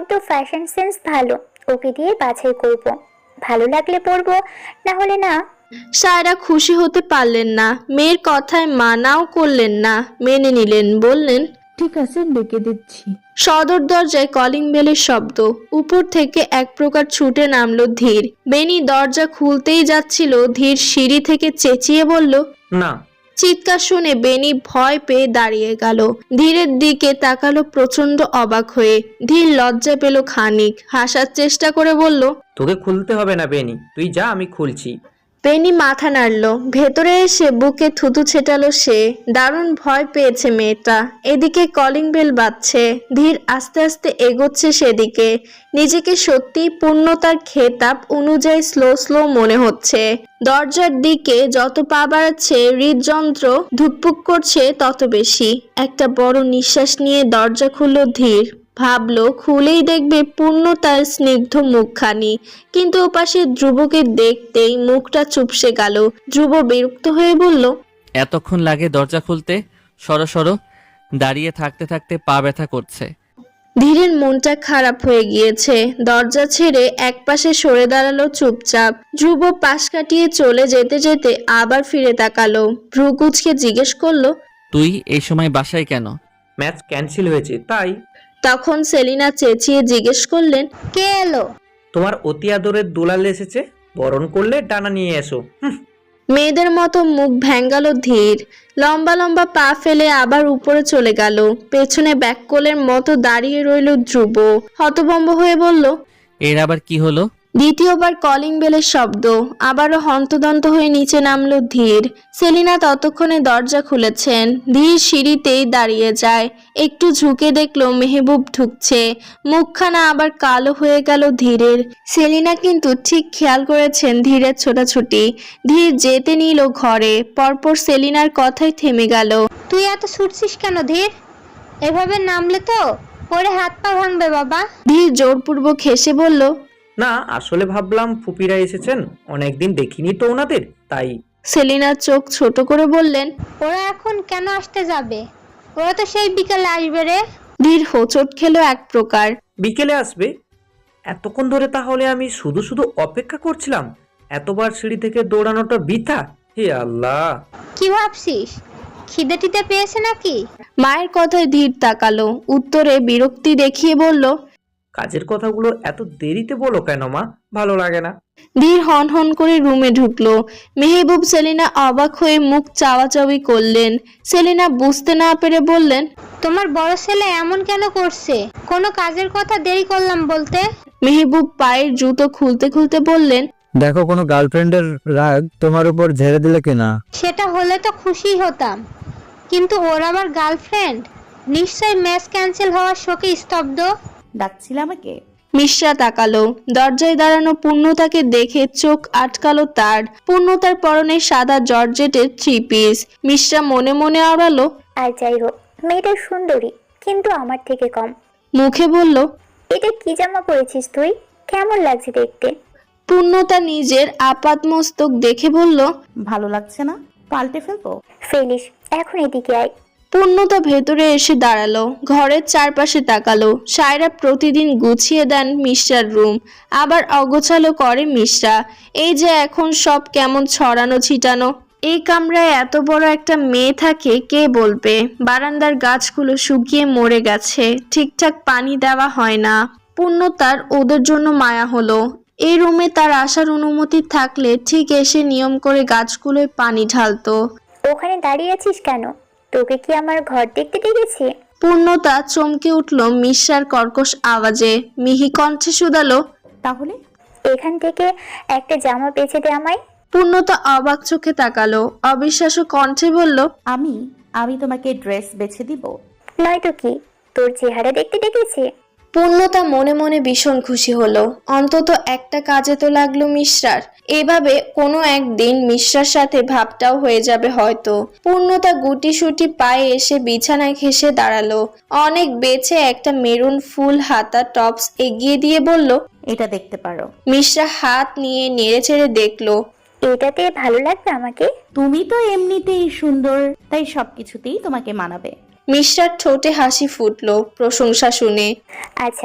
তো fashion sense ভালো, ওকে দিয়ে বাছাই করব, ভালো লাগলে পরবো, না হলে না। সায়রা খুশি হতে পারলেন না, মেয়ের কথায় মানাও করলেন না, মেনে নিলেন, বললেন ঠিক আছে, ডেকে দিচ্ছি। সদর দরজায় কলিং বেলের শব্দ। উপর থেকে এক প্রকার ছুটে নামলো ধীর। বেনি দরজা খুলতেই যাচ্ছিল, ধীর সিঁড়ি থেকে চেঁচিয়ে বলল না। চিৎকার শুনে বেনি ভয় পেয়ে দাঁড়িয়ে গেল, ধীরের দিকে তাকালো প্রচন্ড অবাক হয়ে। ধীর লজ্জা পেল খানিক, হাসার চেষ্টা করে বলল তোকে খুলতে হবে না বেনি, তুই যা, আমি খুলছি। বেনি মাথা নাড়ল, ভেতরে এসে বুকে থুতু ছেটালো সে। দারুণ ভয় পেয়েছে মেয়েটা। এদিকে কলিং বেল বাজছে, ধীর আস্তে আস্তে এগোচ্ছে সেদিকে। নিজেকে সত্যিই পূর্ণতার খেতাব অনুযায়ী স্লো স্লো মনে হচ্ছে। দরজার দিকে যত পা বাড়াচ্ছে হৃদযন্ত্র ধুকপুক করছে তত বেশি। একটা বড় নিঃশ্বাস নিয়ে দরজা খুলল ধীর। ভাবলো খুলেই দেখবে পূর্ণতার স্নিগ্ধ মুখখানি, কিন্তু ওপাশে ধ্রুবকে দেখতেই মুখটা চুপসে গেল। ধ্রুব বিরক্ত হয়ে বলল এতক্ষণ লাগে দরজা খুলতে? সরো সরো, দাঁড়িয়ে থাকতে থাকতে পা ব্যথা করছে। ধীরের মনটা খারাপ হয়ে গিয়েছে, দরজা ছেড়ে একপাশে সরে দাঁড়ালো চুপচাপ। ধ্রুব পাশ কাটিয়ে চলে যেতে যেতে আবার ফিরে তাকালো, ভ্রু কুঁচকে জিজ্ঞেস করলো তুই এই সময় বাসায় কেন? ম্যাচ ক্যান্সেল হয়েছে তাই। তখন সেলিনা চেঁচিয়ে জিজ্ঞেস করলেন কে এলো? তোমার অতি আদরের দুলাল এসেছে, বরণ করলে ডানা নিয়ে এসো। মেয়েদের মতো মুখ ভ্যাঙ্গালো ধীর। লম্বা লম্বা পা ফেলে আবার উপরে চলে গেল। পেছনে ব্যাককোলের মতো দাঁড়িয়ে রইল ধ্রুব, হতভম্ব হয়ে বলল এর আবার কি হলো? দ্বিতীয়বার কলিং বেলের শব্দ। আবারও হন্তদন্ত হয়ে নিচে নামলো ধীর। সেলিনা ততক্ষণে দরজা খুলেছেন। ধীর সিঁড়িতেই দাঁড়িয়ে যায়, একটু ঝুঁকে দেখলো মেহবুব ঢুকছে। মুখখানা আবার কালো হয়ে গেল ধীরের। সেলিনা কিন্তু ঠিক খেয়াল করেছেন ধীরের ছোটাছুটি। ধীর যেতে নিল ঘরে, পরপর সেলিনার কথাই থেমে গেল। তুই এত ছুটছিস কেন ধীর? এভাবে নামলে তো পরে হাত পা ভাঙবে বাবা। ধীর জোরপূর্বক হেসে বলল না, আসলে ভাবলাম ফুপিরা এসেছেন, অনেকদিন দেখিনি তো ওনাদের, তাই। সেলিনার চোখ ছোট করে বললেন ওরা এখন কেন আসতে যাবে? ওরা তো সেই বিকালে আসবে রে। ধীর হোঁচট খেলো এক প্রকার। বিকেলে আসবে? এতক্ষণ ধরে তাহলে আমি শুধু শুধু অপেক্ষা করছিলাম? এতবার সিঁড়ি থেকে দৌড়ানোটা বৃথা? হে আল্লাহ! কি ভাবছিস, খিদে টিদে পেয়েছে নাকি? মায়ের কথায় ধীর তাকালো, উত্তরে বিরক্তি দেখিয়ে বলল কাজের কথাগুলো এত দেরিতে বলো কেন মা? ভালো লাগে না। ধীর হন হন করে রুমে ঢুকলো। মেহবুব সেলিনা অবাক হয়ে মুখ চাওয়াচাওয়ি করলেন। সেলিনা বুঝতে না পেরে বললেন তোমার বড় ছেলে এমন কেন করছে? কোনো কাজের কথা দেরি করলাম বলতে? মেহবুব পায়ের জুতো খুলতে খুলতে বললেন দেখো, কোনো গার্লফ্রেন্ডের রাগ তোমার উপর ঝেড়ে দিলে কিনা। সেটা হলে তো খুশি হতাম, কিন্তু ওর আবার গার্লফ্রেন্ড? নিশ্চয় ম্যাচ ক্যান্সেল হওয়ার শোকে স্তব্ধ। ডাকছিল আমাকে? মিশ্রা তাকালো। দরজায় দাঁড়ানো পূর্ণতাকে দেখে চোখ আটকালো তার। পূর্ণতার পরনে সাদা জর্জেটের 3 পিস। মিশ্রা মনে মনে আওড়ালো আর যাই হোক, মেয়েটা সুন্দরী, কিন্তু আমার থেকে কম। মুখে বলল এটা কি জামা পরেছিস তুই? কেমন লাগছে দেখতে? পূর্ণতা নিজের আপাতমস্তক দেখে বলল ভালো লাগছে না? পাল্টে ফেলবো? ফেলিস, এখন এদিকে আয়। পূর্ণতা ভেতরে এসে দাঁড়ালো, ঘরের চারপাশে তাকালো। সায়রা প্রতিদিন গুছিয়ে দেন মিশ্রার রুম, আবার অগোছালো করে মিশ্রা। এই যে এখন সব কেমন ছড়ানো ছিটানো। এই কামরায় এত বড় একটা মেয়ে থাকে কে বলবে? বারান্দার গাছগুলো শুকিয়ে মরে গেছে, ঠিকঠাক পানি দেওয়া হয় না। পূর্ণতার ওদের জন্য মায়া হলো। এই রুমে তার আসার অনুমতি থাকলে ঠিক এসে নিয়ম করে গাছগুলোয় পানি ঢালতো। ওখানে দাঁড়িয়ে আছিস কেন? তোকে কি আমার ঘর দেখতে ডেকেছি? পূর্ণতা চমকে উঠল মিশ্রার কর্কশ আওয়াজে। মিহি কণ্ঠে শুধালো তাহলে এখান থেকে একটা জামা বেছে দে আমায়। পূর্ণতা অবাক চোখে তাকালো, অবিশ্বাস্য কণ্ঠে বলল আমি আমি তোমাকে ড্রেস বেছে দিব? নয়তো কি, তোর চেহারা দেখতে ডেকেছি। পূর্ণতা মনে মনে ভীষণ খুশি হলো, অন্তত একটা কাজে তো লাগলো মিশ্রার। এভাবে কোনো একদিন মিশ্রার সাথে ভাবটাও হয়ে যাবে হয়তো। পূর্ণতা গুটি সুটি পায়ে এসে বিছানায় ঘেঁষে দাঁড়ালো। অনেক বেছে একটা মেরুন ফুল হাতা টপস এগিয়ে দিয়ে বলল এটা দেখতে পারো। মিশ্রা হাত নিয়ে নেড়ে চেড়ে দেখলো। এটাতে ভালো লাগবে আমাকে? তুমি তো এমনিতেই সুন্দর, তাই সবকিছুতেই তোমাকে মানাবে। মিশ্রার ঠোঁটে হাসি ফুটলো প্রশংসা শুনে। আচ্ছা,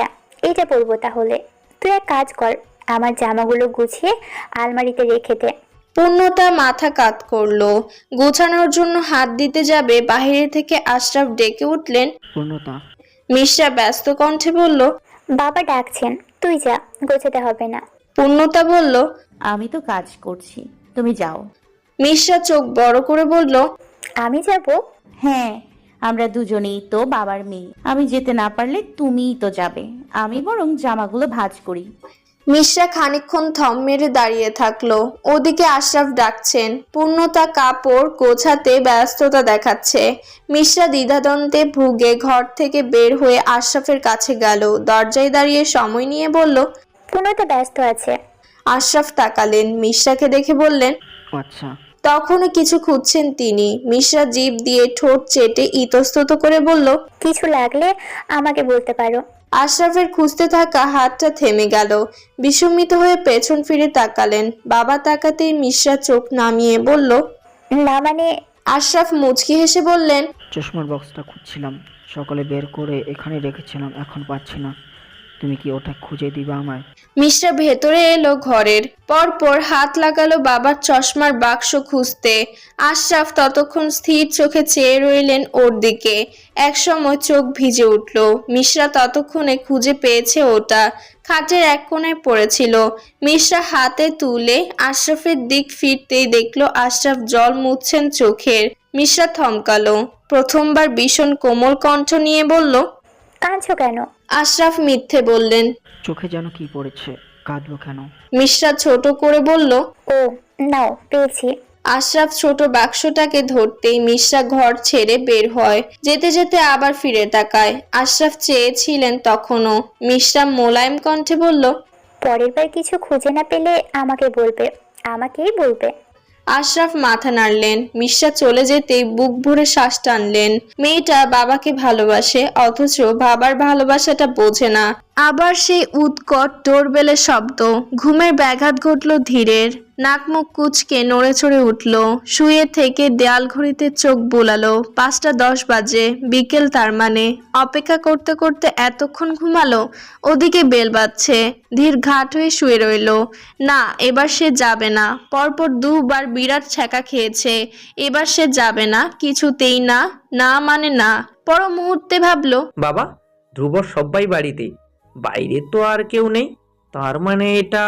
এটা পরবো তাহলে। তুই এক কাজ কর, আমার জামাগুলো গুছিয়ে আলমারিতে রেখে দে। পূর্ণতা মাথা কাত করলো। গোছানোর জন্য হাত দিতে যাবে, বাইরে থেকে আশরাফ ডেকে উঠলেন। পূর্ণতা, মিশ্রা ব্যস্ত কণ্ঠে বলল। বাবা ডাকছেন, তুই যা, গোছাতে হবে না। পূর্ণতা বলল। আমি তো কাজ করছি, তুমি যাও। মিশ্রা চোখ বড় করে বলল। আমি যাব? হ্যাঁ, আমরা দুজনেই তো বাবার মেয়ে। আমি যেতে না পারলে তুমিই তো যাবে। আমি বরং জামাগুলো ভাঁজ করি। মিশ্রা খানিকক্ষণ থম মেরে দাঁড়িয়ে থাকলো। ওদিকে আশরাফ ডাকছেন। পূর্ণতা কাপড় গোছাতে ব্যস্ততা দেখাচ্ছে। মিশ্রা দ্বিধাদ্বন্দ্বে ভুগে ঘর থেকে বের হয়ে আশরাফের কাছে গেল। দরজায় দাঁড়িয়ে সময় নিয়ে বলল। পূর্ণতা ব্যস্ত আছে। আশরাফ তাকালেন, মিশ্রাকে দেখে বললেন। আচ্ছা। তখনও কিছু খুঁজছেন তিনি। মিশ্রা জিভ দিয়ে ঠোঁট চেটে ইতস্তত করে বলল। কিছু লাগলে আমাকে বলতে পারো। আশরাফের খুঁজতে থাকা হাতটা থেমে গেল। বিস্মিত হয়ে পেছন ফিরে তাকালেন। বাবা তাকাতেই মিশ্রা চোখ নামিয়ে বলল। না মানে। আশরাফ মুচকি হেসে বললেন। চশমার বক্সটা খুঁজছিলাম, সকালে বের করে এখানে রেখেছিলাম, এখন পাচ্ছি না। তুমি কি ওটা খুঁজে দিবা আমায়? মিশ্রা ভেতরে এলো ঘরের। পরপর হাত লাগালো বাবার চশমার বাক্স খুঁজতে। আশরাফ ততক্ষণ স্থির চোখে চেয়ে রইলেন ওর দিকে। একসময় চোখ ভিজে উঠল। মিশ্রা ততক্ষণে খুঁজে পেয়েছে ওটা। খাটের এক কোণায় পড়েছিল। মিশ্রা হাতে তুলে আশরাফের দিক ফিরতেই দেখলো আশরাফ জল মুছছেন চোখের। মিশ্রা থমকালো। প্রথমবার ভীষণ কোমল কণ্ঠ নিয়ে বলল। কাঁদছো কেন? আশরাফ মিথ্যে বললেন। চোখে যেন কি পড়েছে, কাঁদবো কেন? মিশ্রা ছোট করে বলল। ও নাও, পেয়েছি। আশরাফ ছোট বাক্সটাকে ধরতেই মিশ্রা ঘর ছেড়ে বের হয়। যেতে যেতে আবার ফিরে তাকায়। আশরাফ চেয়েছিলেন তখনও। মিশ্রা মোলায়েম কণ্ঠে বলল। পরের বার কিছু খুঁজে না পেলে আমাকে বলবে, আমাকেই বলবে। আশরাফ মাথা নাড়লেন। মিশ্রা চলে যেতেই বুক ভরে শ্বাস টানলেন। মেয়েটা বাবাকে ভালোবাসে, অথচ বাবার ভালোবাসাটা বোঝে না। আবার সেই উৎকট ডোরবেলের শব্দ। ঘুমের ব্যাঘাত ঘটল ধীরের। নাক মুখ কুঁচকে নড়ে চড়ে উঠল। শুয়ে থেকে দেয়াল ঘড়িতে চোখ বুলালো। 5:10 বাজে, বিকেল তার মানে। অপেক্ষা করতে করতে এতক্ষণ ঘুমালো। ওদিকে বেল বাজছে। ধীর ঘাট হয়ে শুয়ে রইল। না, এবার সে যাবে না। পরপর দুবার বিরাট ছ্যাঁকা খেয়েছে। এবার সে যাবে না, কিছুতেই না। না মানে না। পর মুহূর্তে ভাবলো। বাবা, ধ্রুব সবাই বাড়িতে, বাইরে তো আর কেউ নেই, তার মানে এটা।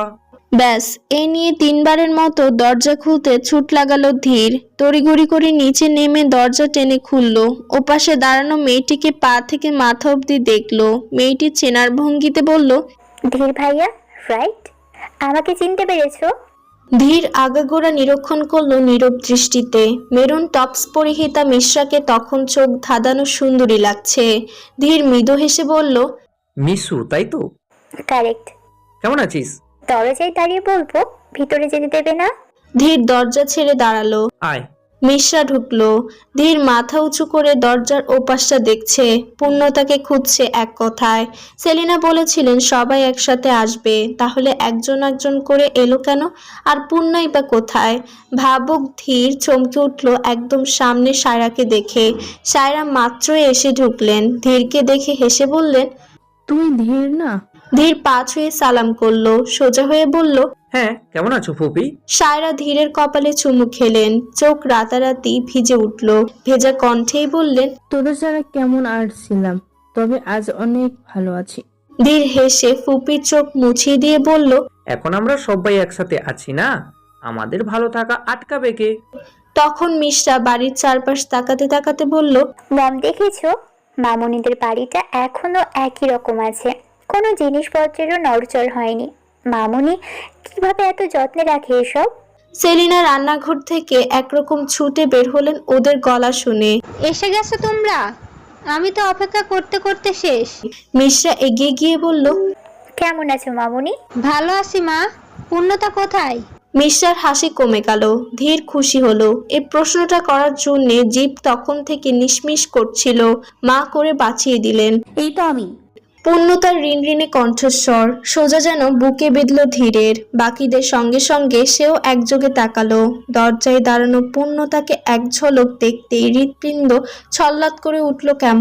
ব্যাস, এই নিয়ে 3বারের মতো দরজা খুলতে ছুট লাগালো ধীর। তড়িঘড়ি করে নিচে নেমে দরজা টেনে খুললো। ওপাশে দাঁড়ানো মেয়েটিকে পা থেকে মাথা অবধি দেখলো। মেয়েটি চেনার ভঙ্গিতে বলল। ধীর ভাইয়া, রাইট? আমাকে চিনতে পেরেছো? ধীর আগাগোড়া নিরীক্ষণ করলো নীরব দৃষ্টিতে। মেরুন টপস পরিহিতা মিশ্রাকে তখন চোখ ধাঁধানো সুন্দরী লাগছে। ধীর মৃদু হেসে বলল। মিশু, তাই তো? কারেক্ট। কেমন আছিস? দরজায় দাঁড়িয়ে বলবো, ভিতরে যেতে দেবে না? ধীর দরজা ছেড়ে দাঁড়ালো। আয়। মিশ্রা ঢুকলো। ধীর মাথা উঁচু করে দরজার ওপাশটা দেখছে। পূর্ণতাকে খুঁজছে এক কথায়। সেলিনা বলেছিলেন সবাই একসাথে আসবে, তাহলে একজন একজন করে এলো কেন? আর পূর্ণাই বা কোথায়? ভাবুক ধীর চমকে উঠলো একদম সামনে সায়রাকে দেখে। সায়রা মাত্রই এসে ঢুকলেন। ধীরকে দেখে হেসে বললেন। তুই ধীর না? ধীর পা ছুঁয়ে সালাম করলো। সোজা হয়ে বলল। হ্যাঁ, কেমন আছো ফুপি? সায়রা ধীরের কপালে চুমু খেলেন। চোখ রাতারাতি ভিজে উঠল। ভেজা কণ্ঠেই বললেন। তোদের ছাড়া কেমন আর ছিলাম, তবে আজ অনেক ভালো আছি। ধীর হেসে ফুপির চোখ মুছিয়ে দিয়ে বলল। এখন আমরা সবাই একসাথে আছি না, আমাদের ভালো থাকা আটকাবে কে? তখন মিশ্রা বাড়ির চারপাশ তাকাতে তাকাতে বলল। মম, দেখেছো? মামুনিদের বাড়িটা এখনো একই রকম আছে, কোনো জিনিসপত্রেরও নড়চড় হয়নি। মামুনি কিভাবে এত যত্নে রাখে এসব? সেলিনা রান্নাঘর থেকে একরকম ছুটে বের হলেন ওদের গলা শুনে। এসে গেছো তোমরা? আমি তো অপেক্ষা করতে করতে শেষ। মিশ্রা এগিয়ে গিয়ে বলল। কেমন আছো মামুনি? ভালো আছি মা। পূর্ণতা কোথায়? মিশ্রার হাসি কমে গেল। ধীর খুশি হলো। এই প্রশ্নটা করার জন্যে জিভ তখন থেকে নিশমিশ করছিল। মা করে বাঁচিয়ে দিলেন। এই তো আমি। পূর্ণতার ঋণঋণে কণ্ঠস্বর সোজা যেন বুকে বিঁধল ধীরের। বাকিদের সঙ্গে সঙ্গে সেও একযোগে তাকালো। দরজায় দাঁড়ানো পূর্ণতাকে এক ঝলক দেখতেই হৃৎপিণ্ড ছল্লাদ করে উঠল কেমন।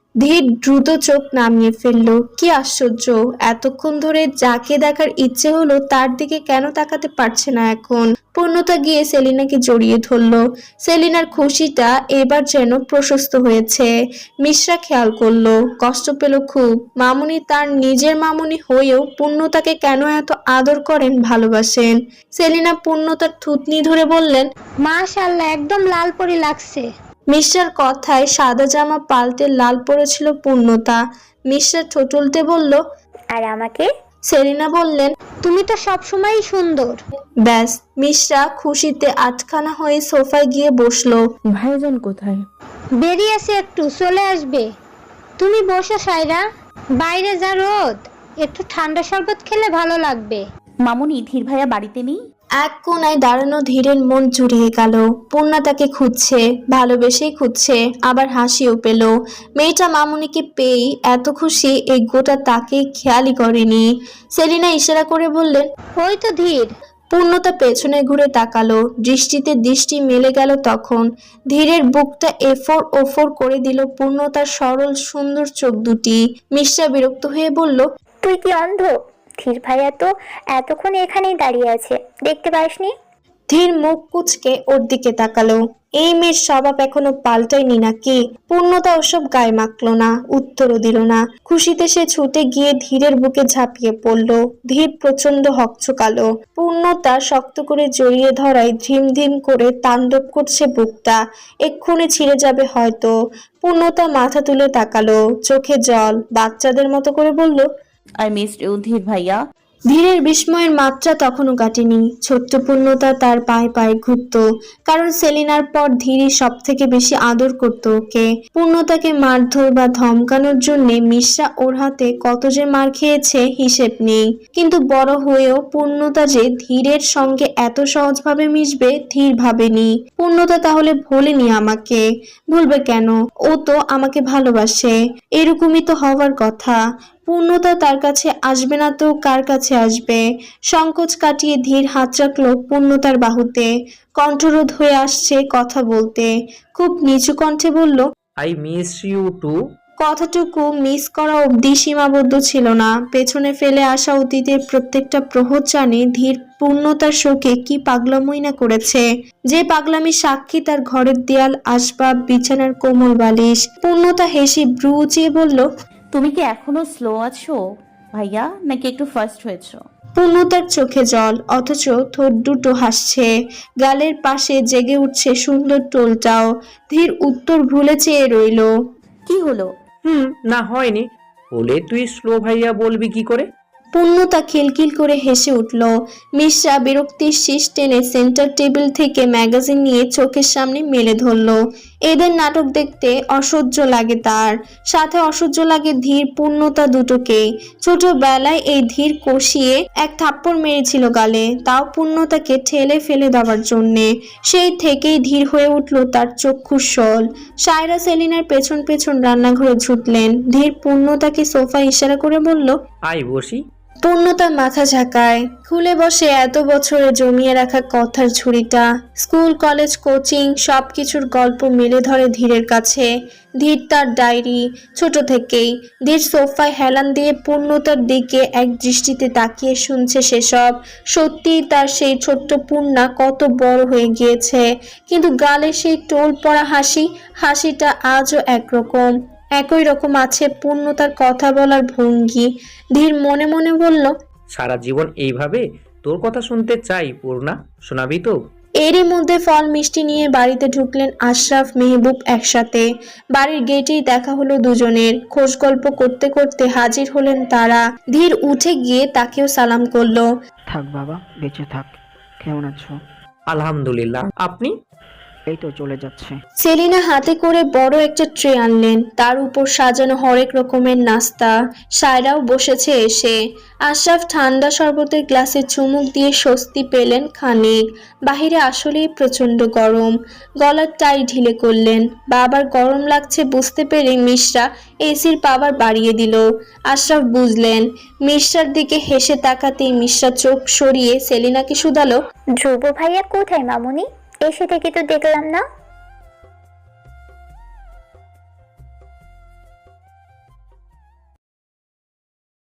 ধীর দ্রুত চোখ নামিয়ে ফেললো। কি আশ্চর্য, এতক্ষণ ধরে যাকে দেখার ইচ্ছে হলো তার দিকে কেন তাকাতে পারছে না এখন। পূর্ণতা গিয়ে সেলিনাকে জড়িয়ে ধরলো। সেলিনার খুশিটা এবার যেন প্রশস্ত হয়েছে। মিশ্রা খেয়াল করলো, কষ্ট পেল খুব। মামুনি তার নিজের মামুনি হয়েও পূর্ণতাকে কেন এত আদর করেন, ভালোবাসেন। সেলিনা পূর্ণতার থুতনি ধরে বললেন, মাশাআল্লাহ, একদম লাল পরি লাগছে। মিশ্রার কথায় সাদা জামা পাল্টে লাল পড়েছিল পূর্ণতা। মিশ্রা ঠোঁট উল্টে বলল, আর আমাকে? সেলিনা বললেন, তুমি তো সবসময়ই সুন্দর। ব্যাস। মিশ্রা খুশিতে আটখানা হয়ে সোফায় গিয়ে বসলো। ভাইজান কোথায়? বেরিয়েছে, একটু চলে আসবে। তুমি বসো সায়রা, বাইরে যা রোদ, একটু ঠান্ডা শরবত খেলে ভালো লাগবে। মামুনি, ধীর ভাইয়া বাড়িতে নেই? এক কোনায় দাঁড়ানো ধীরের মন জুড়িয়ে গেল। পূর্ণা তাকে খুঁজছে, ভালোবেসেই খুঁজছে, আবার হাসিও পেল। মেয়েটা মামুনিকে পেয়েই এত খুশি এই গোটা তাকে খেয়ালই করেনি। সেলিনা ইশারা করে বললেন, ওই তো ধীর। পূর্ণতা পেছনে ঘুরে তাকালো, দৃষ্টিতে দৃষ্টি মেলে গেল তখন। ধীরের বুকটা এফোর ওফোর করে দিল পূর্ণতার সরল সুন্দর চোখ দুটি। মিশ্রা বিরক্ত হয়ে বলল, তুই কি অন্ধ? ধীর ভাইয়া তো এতক্ষণ এখানেই দাঁড়িয়ে আছে, দেখতে পাসনি? ধীর মুখ কুচকে ওর দিকে তাকালো। এই মেয়ের স্বভাব এখনো পাল্টায়নি নাকি? পূর্ণতা ওসব গায়ে মাখলো না, উত্তরও দিল না। খুশিতে সে ছুটে গিয়ে ধীরের বুকে ঝাঁপিয়ে পড়লো। ধীর প্রচন্ড হকচকালো। পূর্ণতা শক্ত করে জড়িয়ে ধরায় ধিম ধিম করে তাণ্ডব করছে বুকটা, এক্ষুনি ছিঁড়ে যাবে হয়তো। পূর্ণতা মাথা তুলে তাকালো, চোখে জল, বাচ্চাদের মতো করে বলল, আই মিসড ইউ ধীর ভাইয়া। ধীরের বিস্ময়ের মাত্রা তখনও কাটেনি। ছোট্ট পূর্ণতা তার পায়ে পায়ে ঘুরত, কারণ সেলিনার পর ধীরই সব থেকে বেশি আদর করত ওকে। পূর্ণতাকে মারধর বা ধমকানোর জন্য মিশ্রা ওর হাতে কত যে মার খেয়েছে হিসেব নেই। কিন্তু বড় হয়েও পূর্ণতা যে ধীরের সঙ্গে এত সহজভাবে মিশবে ধীর ভাবেনি। পূর্ণতা তাহলে ভোলেনি আমাকে? ভুলবে কেন? ও তো আমাকে ভালোবাসে, এরকমই তো হওয়ার কথা। পূর্ণতা তার কাছে আসবে না তো কার কাছে আসবে? সংকোচ কাটিয়ে ধীর হাত রাখলো পূর্ণতার বাহুতে। কণ্ঠরোধ হয়ে আসছে কথা বলতে। খুব নিচু কণ্ঠে বলল, আই মিস ইউ টু। কথাটুকু মিস করা অবধি সীমাবদ্ধ ছিল না। পেছনে ফেলে আসা অতীতের প্রত্যেকটা প্রহর জানে ধীর পূর্ণতার শোকে কি পাগলামই না করেছে। যে পাগলামি সাক্ষী তার ঘরের দেয়াল, আসবাব, বিছানার কোমল বালিশ। পূর্ণতা হেসে ভ্রু উঁচিয়ে বলল, তুমি কি এখনো স্লো আছো ভাইয়া, নাকি একটু ফার্স্ট হয়েছো? পূর্ণতার চোখে জল, অথচ ঠোঁট দুটো হাসছে। গালের পাশে জেগে উঠছে সুন্দর টোলটাও। ধীর উত্তর ভুলে চেয়ে রইল। কি হলো? না হয়নি। বলে তুই স্লো ভাইয়া বলবি কি করে? পূর্ণতা খিলখিল করে হেসে উঠল। মিশ্রা বিরক্তির শীষ টেনে সেন্টার টেবিল থেকে ম্যাগাজিন নিয়ে চোখের সামনে মেলে ধরল। এদের নাটক দেখতে অসহ্য লাগে তার, সাথে অসহ্য লাগে ধীর পূর্ণতা দুটোকে। ছোটবেলায় এই ধীর কষিয়ে এক থাপ্পড় মেরেছিল গালে, তাও পূর্ণতাকে ঠেলে ফেলে দেওয়ার জন্যে। সেই থেকেই ধীর হয়ে উঠল তার চক্ষুর শোল। সায়রা সেলিনার পেছন পেছন রান্নাঘরে ছুটলেন। ধীর পূর্ণতাকে সোফা ইশারা করে বলল, আই বসি। পূর্ণতা মাথা ঝাঁকায়। খুলে বসে এত বছরে জমিয়ে রাখা কথার ঝুড়িটা। স্কুল, কলেজ, কোচিং সবকিছুর গল্প মেলে ধরে ধীরের কাছে। ধীর তার ডায়েরি, ছোট থেকেই। ধীর সোফায় হেলান দিয়ে পূর্ণতার দিকে এক দৃষ্টিতে তাকিয়ে শুনছে সেসব। সত্যিই তার সেই ছোট্ট পূর্ণা কত বড় হয়ে গিয়েছে, কিন্তু গালে সেই টোল পড়া হাসিটা আজও একরকম। একই রকম আছে পূর্ণতার কথা বলার ভঙ্গি। ধীর মনে মনে বলল, সারা জীবন এইভাবে তোর কথা শুনতে চাই পূর্ণা, শোনাবি তো? এরই মধ্যে ফল মিষ্টি নিয়ে বাড়িতে ঢুকলেন আশরাফ মেহবুব একসাথে। বাড়ির গেটেই দেখা হলো দুজনের। খোঁজ গল্প করতে করতে হাজির হলেন তারা। ধীর উঠে গিয়ে তাকেও সালাম করলো। থাক বাবা, বেঁচে থাক। কেমন আছো? আলহামদুলিল্লাহ, আপনি? এই তো চলে যাচ্ছে। সেলিনা হাতে করে বড় একটা ট্রে আনলেন, তার উপর সাজানো হরেক রকমের নাস্তা। সায়রাও বসেছে এসে। আশরাফ ঠান্ডা শরবতের গ্লাসে চুমুক দিয়ে স্বস্তি পেলেন খানিক। বাহিরে আসলেই প্রচন্ড গরম। গলার টাই ঢিলে করলেন। বাবার গরম লাগছে বুঝতে পেরে মিশ্রা এসির পাওয়ার বাড়িয়ে দিল। আশরাফ বুঝলেন। মিশ্রার দিকে হেসে তাকাতেই মিশ্রা চোখ সরিয়ে সেলিনাকে শুধালো, ধ্রুব ভাইয়া কোথায় মামুনি? এসে থেকে তো দেখলাম না।